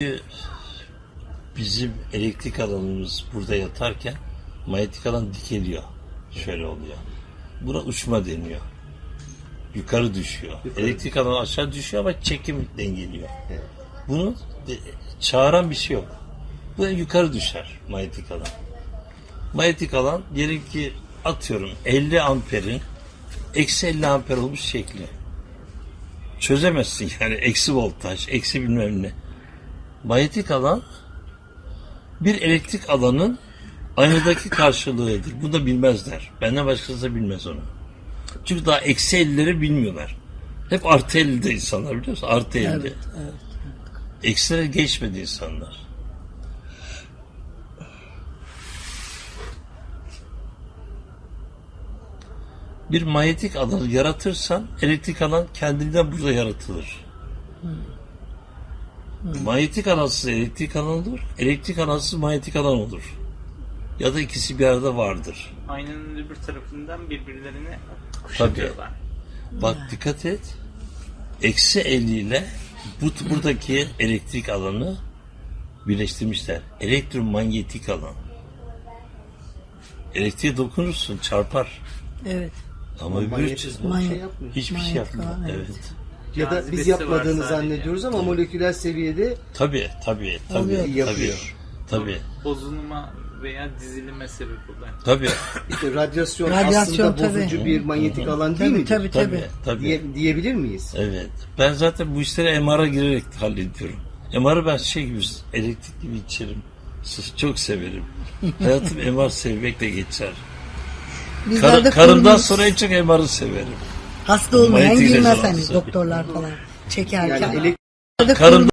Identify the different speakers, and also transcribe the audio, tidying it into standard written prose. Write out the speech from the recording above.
Speaker 1: Bizim elektrik alanımız burada yatarken manyetik alan dikeliyor. Şöyle oluyor. Buna uçma deniyor. Yukarı düşüyor. Elektrik alanı aşağı düşüyor ama çekim dengeliyor. Bunu çağıran bir şey yok. Bu yukarı düşer manyetik alan. Manyetik alan diyelim ki atıyorum 50 amperin eksi 50 amper olmuş şekli. Çözemezsin yani eksi voltaj, eksi bilmem ne. Manyetik alan bir elektrik alanın aynadaki karşılığıdır. Bunu da bilmezler. Benden başkası da bilmez onu. Çünkü daha eksi 50'leri bilmiyorlar. Hep artı 50'de insanlar, biliyor musun? Artı 50.
Speaker 2: Evet.
Speaker 1: Eksilere geçmedi insanlar. Bir manyetik alanı yaratırsan elektrik alan kendinden burada yaratılır. Manyetik alansız elektrik alan olur, elektrik alansız manyetik alan olur. Ya da ikisi bir arada vardır.
Speaker 3: Aynanın öbür tarafından birbirlerini kuşatıyorlar.
Speaker 1: Bak dikkat et. Eksi 50 ile buradaki elektrik alanı birleştirmişler. Elektromanyetik alan. Elektriğe dokunursun, çarpar.
Speaker 2: Evet.
Speaker 1: Ama öbür
Speaker 4: Manyetizma bir şey yapmıyor.
Speaker 1: hiçbir şey
Speaker 2: Manyetik
Speaker 1: yapmıyor.
Speaker 2: alan,
Speaker 1: Evet.
Speaker 2: evet.
Speaker 4: Ya da biz
Speaker 3: Cazibesi
Speaker 4: yapmadığını
Speaker 3: var sadece.
Speaker 4: zannediyoruz ama moleküler seviyede
Speaker 1: Tabii.
Speaker 2: Oluyor.
Speaker 4: Yapıyor.
Speaker 1: Tabii.
Speaker 3: Bozulma veya dizilime sebep oluyor.
Speaker 1: Tabii.
Speaker 4: işte radyasyon
Speaker 2: Radyasyon
Speaker 4: aslında bozucu
Speaker 2: tabii.
Speaker 4: bir manyetik alan değil mi?
Speaker 2: Tabii.
Speaker 4: Diyebilir miyiz?
Speaker 1: Evet. Ben zaten bu işleri MR'a girerek hallediyorum. MR'ı ben şey gibi, elektrik gibi içerim. Çok severim. Hayatım MR sevmekle geçer.
Speaker 2: Bizler de
Speaker 1: Karımdan
Speaker 2: konumuz
Speaker 1: sonra en çok MR'ı severim.
Speaker 2: hasta olmayan
Speaker 1: Manyetik
Speaker 2: girmez
Speaker 1: rezonansı.
Speaker 2: hani doktorlar falan çekerken.
Speaker 4: Yani
Speaker 2: Bizler de
Speaker 1: Karım